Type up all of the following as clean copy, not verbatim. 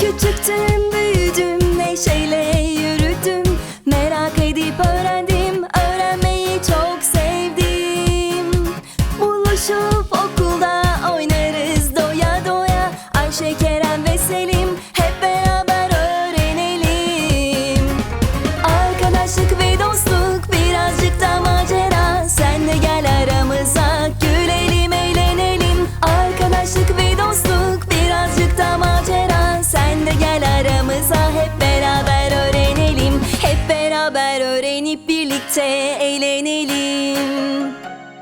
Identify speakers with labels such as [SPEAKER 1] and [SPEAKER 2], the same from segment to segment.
[SPEAKER 1] Küçüktüm, büyüdüm, neşeyle yürüdüm. Merak edip öğrendim, öğrenmeyi çok sevdim. Buluşup okulda oynarız doya doya. Ayşe, Kerem ve Selim hep beraber öğrenelim. Arkadaşlık ve dostluk, birazcık da macera. Sen de gel aramıza, gülelim, eğlenelim. Arkadaşlık ve dostluk, birazcık da macera. Sen de gel aramıza, hep beraber öğrenelim. Hep beraber öğrenip birlikte eğlenelim.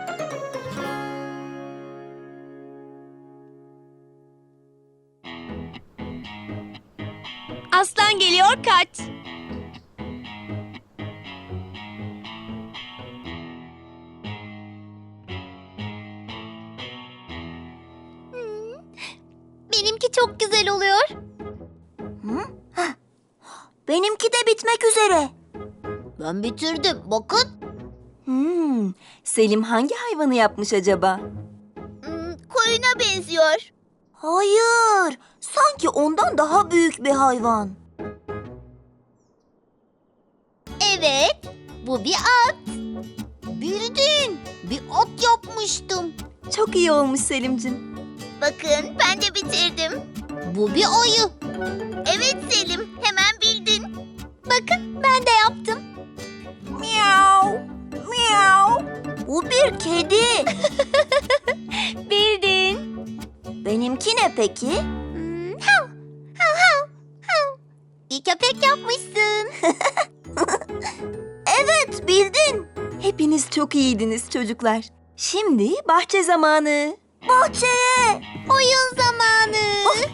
[SPEAKER 2] Aslan geliyor, kaç.
[SPEAKER 3] Benimki çok güzel oluyor.
[SPEAKER 4] Benimki de bitmek üzere.
[SPEAKER 3] Ben bitirdim. Bakın.
[SPEAKER 1] Selim hangi hayvanı yapmış acaba?
[SPEAKER 3] Koyuna benziyor.
[SPEAKER 4] Hayır, sanki ondan daha büyük bir hayvan.
[SPEAKER 3] Evet, bu bir at. Bildin, bir at yapmıştım.
[SPEAKER 1] Çok iyi olmuş Selimcim.
[SPEAKER 3] Bakın, ben de bitirdim. Bu bir ayı. Evet Selim, hemen bildin. Bakın, ben de yaptım.
[SPEAKER 4] Miau, miau. Bu bir kedi.
[SPEAKER 3] Bildin.
[SPEAKER 4] Benimki ne peki?
[SPEAKER 3] Hav, hav, hav, hav. Bir köpek yapmışsın.
[SPEAKER 4] Evet, bildin.
[SPEAKER 1] Hepiniz çok iyiydiniz çocuklar. Şimdi bahçe zamanı.
[SPEAKER 4] Bahçeye.
[SPEAKER 3] Oyun zamanı.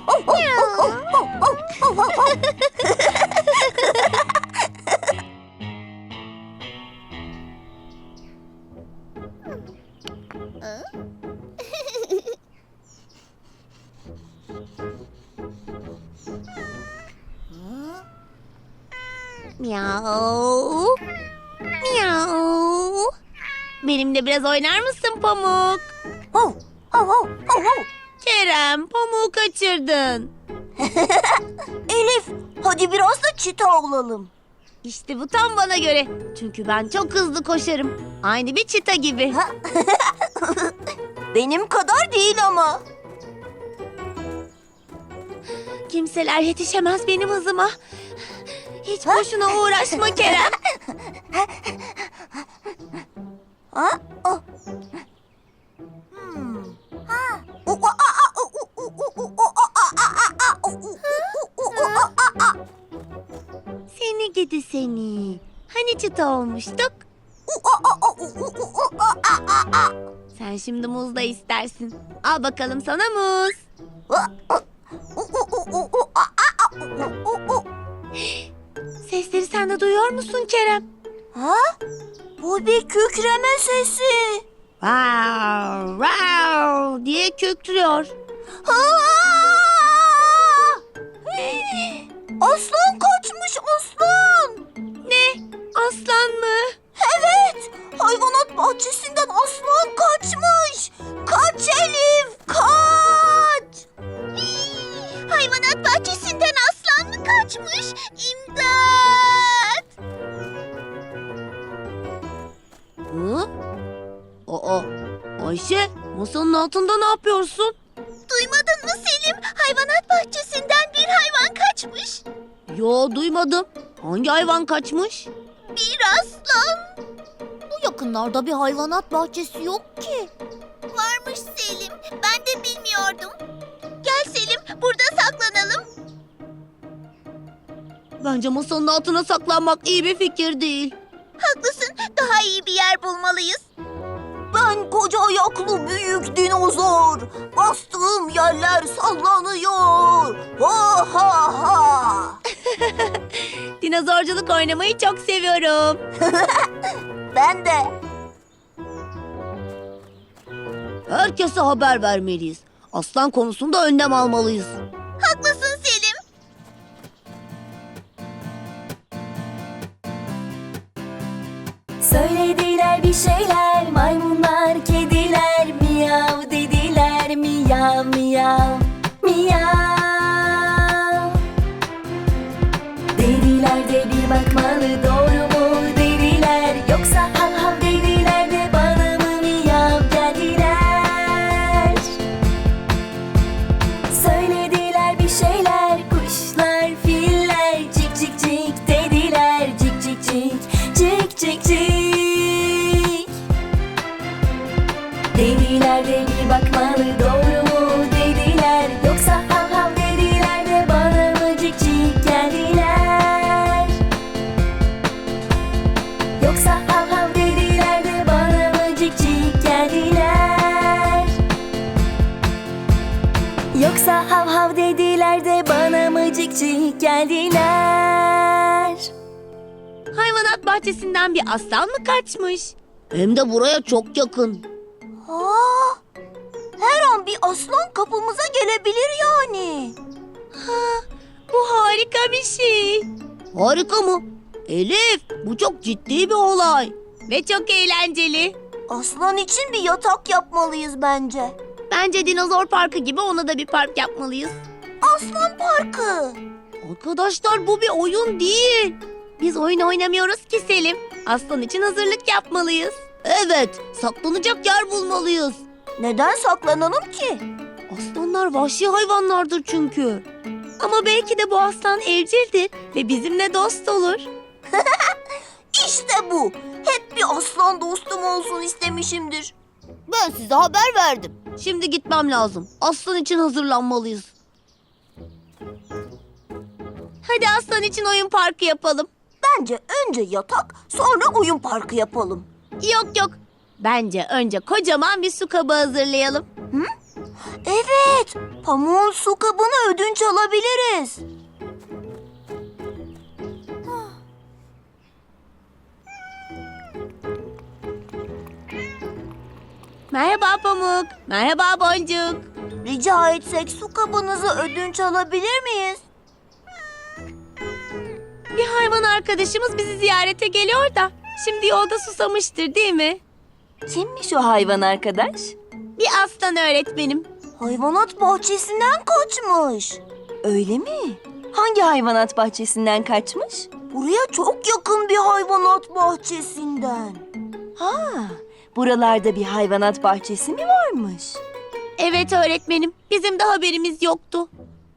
[SPEAKER 3] Miau. Miau. Benimle biraz oynar mısın Pamuk?
[SPEAKER 4] Hav, hav, hav, hav, hav.
[SPEAKER 2] Kerem, pamuğu kaçırdın.
[SPEAKER 4] Elif, hadi biraz da çita olalım.
[SPEAKER 2] İşte bu tam bana göre. Çünkü ben çok hızlı koşarım. Aynı bir çita gibi.
[SPEAKER 4] Benim kadar değil ama.
[SPEAKER 2] Kimseler yetişemez benim hızıma. Hiç boşuna uğraşma Kerem.
[SPEAKER 4] Ha? Oh. Ha. U- a- a- a- u- u- u- u- o- a- a- a- a- u- u- u- u- a- a- a.
[SPEAKER 2] Seni gidi seni. Hani çıta olmuştuk?
[SPEAKER 4] U- a- a- a- u- u- u- u- a- a- a- a.
[SPEAKER 2] Sen şimdi muz da istersin. Al bakalım sana muz.
[SPEAKER 4] U- u- u- u- u- a- a- a- u- u- u- u.
[SPEAKER 2] Sesleri sen de duyuyor musun Kerem?
[SPEAKER 4] Ha? Bu bir kükreme sesi.
[SPEAKER 2] Wow, wow diye köktürüyor.
[SPEAKER 4] Ha! Aslan kaçmış, aslan.
[SPEAKER 2] Ne? Aslan mı?
[SPEAKER 4] Evet, hayvanat bahçesinden aslan kaçmış. Kaç Elif, kaç.
[SPEAKER 3] Hayvanat bahçesinden aslan mı kaçmış? İmdat!
[SPEAKER 2] Hı? Aa, Ayşe, masanın altında ne yapıyorsun?
[SPEAKER 3] Duymadın mı Selim? Hayvanat bahçesinden bir hayvan kaçmış.
[SPEAKER 2] Yo, duymadım. Hangi hayvan kaçmış?
[SPEAKER 3] Bir aslan. Bu yakınlarda bir hayvanat bahçesi yok ki. Varmış Selim. Ben de bilmiyordum. Gel Selim, burada saklanalım.
[SPEAKER 2] Bence masanın altına saklanmak iyi bir fikir değil.
[SPEAKER 3] Haklısın. Daha iyi bir yer bulmalıyız.
[SPEAKER 4] Ben koca ayaklı büyük dinozor. Bastığım yerler sallanıyor. Ha ha ha.
[SPEAKER 2] Dinozorculuk oynamayı çok seviyorum.
[SPEAKER 4] Ben de.
[SPEAKER 2] Herkese haber vermeliyiz. Aslan konusunda önlem almalıyız.
[SPEAKER 3] Haklısın Selim.
[SPEAKER 1] Söylediler bir şeyler, maymunlar, kediler, miyav dediler, miyav miyav miyav. Hav hav dediler de bana mıcık cik geldiler.
[SPEAKER 2] Hayvanat bahçesinden bir aslan mı kaçmış? Hem de buraya çok yakın.
[SPEAKER 4] Aa, her an bir aslan kapımıza gelebilir yani.
[SPEAKER 2] Bu harika bir şey. Harika mı? Elif, bu çok ciddi bir olay. Ve çok eğlenceli.
[SPEAKER 4] Aslan için bir yatak yapmalıyız bence.
[SPEAKER 2] Bence dinozor parkı gibi ona da bir park yapmalıyız.
[SPEAKER 4] Aslan parkı.
[SPEAKER 2] Arkadaşlar bu bir oyun değil. Biz oyun oynamıyoruz ki Selim. Aslan için hazırlık yapmalıyız. Evet, saklanacak yer bulmalıyız.
[SPEAKER 4] Neden saklanalım ki?
[SPEAKER 2] Aslanlar vahşi hayvanlardır çünkü. Ama belki de bu aslan evcildir ve bizimle dost olur.
[SPEAKER 4] İşte bu. Hep bir aslan dostum olsun istemişimdir.
[SPEAKER 3] Ben size haber verdim.
[SPEAKER 2] Şimdi gitmem lazım. Aslan için hazırlanmalıyız. Hadi aslan için oyun parkı yapalım.
[SPEAKER 4] Bence önce yatak, sonra oyun parkı yapalım.
[SPEAKER 2] Yok. Bence önce kocaman bir su kabı hazırlayalım.
[SPEAKER 4] Evet, pamuğun su kabını ödünç alabiliriz.
[SPEAKER 2] Merhaba Pamuk. Merhaba Boncuk.
[SPEAKER 4] Rica etsek su kabınızı ödünç alabilir miyiz?
[SPEAKER 2] Bir hayvan arkadaşımız bizi ziyarete geliyor da şimdi yolda susamıştır değil mi?
[SPEAKER 1] Kimmiş o hayvan arkadaş?
[SPEAKER 2] Bir aslan öğretmenim.
[SPEAKER 4] Hayvanat bahçesinden kaçmış.
[SPEAKER 1] Öyle mi? Hangi hayvanat bahçesinden kaçmış?
[SPEAKER 4] Buraya çok yakın bir hayvanat bahçesinden.
[SPEAKER 1] Ha, buralarda bir hayvanat bahçesi mi varmış?
[SPEAKER 2] Evet öğretmenim. Bizim de haberimiz yoktu.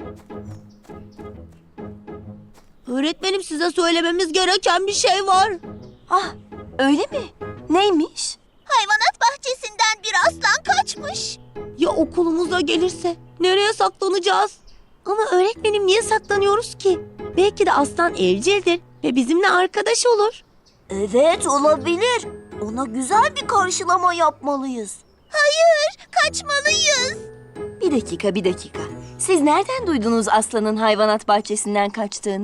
[SPEAKER 2] Öğretmenim size söylememiz gereken bir şey var.
[SPEAKER 1] Ah, öyle mi? Neymiş?
[SPEAKER 3] Hayvanat bahçesinden bir aslan kaçmış.
[SPEAKER 2] Ya okulumuza gelirse? Nereye saklanacağız? Ama öğretmenim niye saklanıyoruz ki? Belki de aslan evcildir ve bizimle arkadaş olur.
[SPEAKER 4] Evet, olabilir. Ona güzel bir karşılama yapmalıyız.
[SPEAKER 3] Hayır, kaçmalıyız.
[SPEAKER 1] Bir dakika. Siz nereden duydunuz aslanın hayvanat bahçesinden kaçtığını?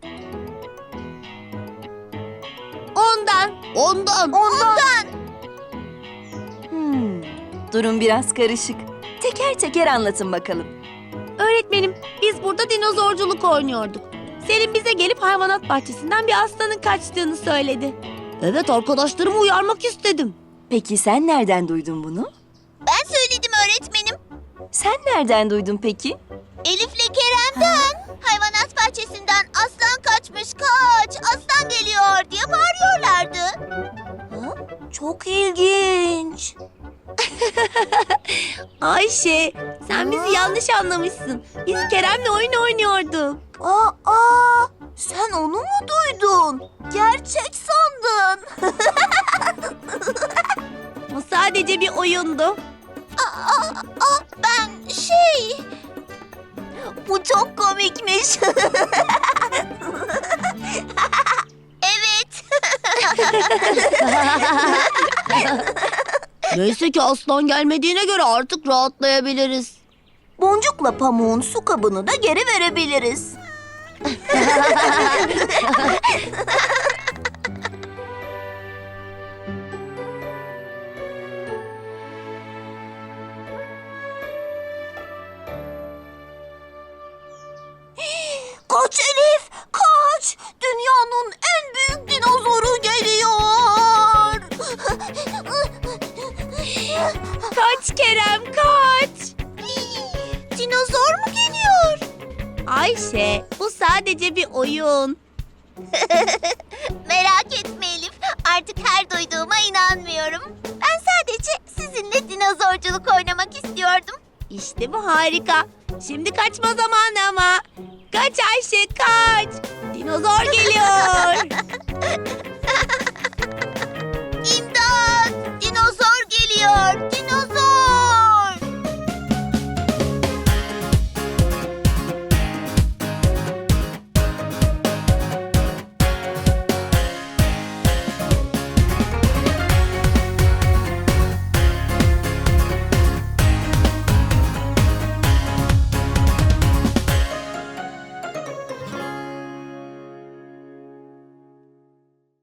[SPEAKER 2] Ondan.
[SPEAKER 1] Durum biraz karışık. Teker teker anlatın bakalım.
[SPEAKER 2] Öğretmenim biz burada dinozorculuk oynuyorduk. Selim bize gelip hayvanat bahçesinden bir aslanın kaçtığını söyledi. Evet arkadaşlarımı uyarmak istedim.
[SPEAKER 1] Peki sen nereden duydun bunu?
[SPEAKER 3] Ben söyledim öğretmenim.
[SPEAKER 1] Sen nereden duydun peki?
[SPEAKER 3] Elif'le Kerem'den. Hayvanat bahçesinden aslan kaçmış, kaç, aslan geliyor diye bağırıyorlardı.
[SPEAKER 4] Çok ilginç.
[SPEAKER 2] Ayşe sen bizi yanlış anlamışsın. Biz Kerem'le oyun oynuyorduk.
[SPEAKER 4] Aa, sen onu mu duydun? Gerçek sandın.
[SPEAKER 2] O sadece bir oyundu.
[SPEAKER 3] Ben
[SPEAKER 4] Bu çok komikmiş.
[SPEAKER 3] evet.
[SPEAKER 2] Neyse ki aslan gelmediğine göre artık rahatlayabiliriz.
[SPEAKER 4] Boncukla pamuğun su kabını da geri verebiliriz. Kaç Elif, kaç! Dünyanın en büyük dinozoru geliyor.
[SPEAKER 2] Kaç Kerem kaç.
[SPEAKER 3] Dinozor mu geliyor?
[SPEAKER 2] Ayşe bu sadece bir oyun.
[SPEAKER 3] Merak etme Elif. Artık her duyduğuma inanmıyorum. Ben sadece sizinle dinozorculuk oynamak istiyordum.
[SPEAKER 2] İşte bu harika. Şimdi kaçma zamanı ama. Kaç Ayşe kaç. Dinozor geliyor.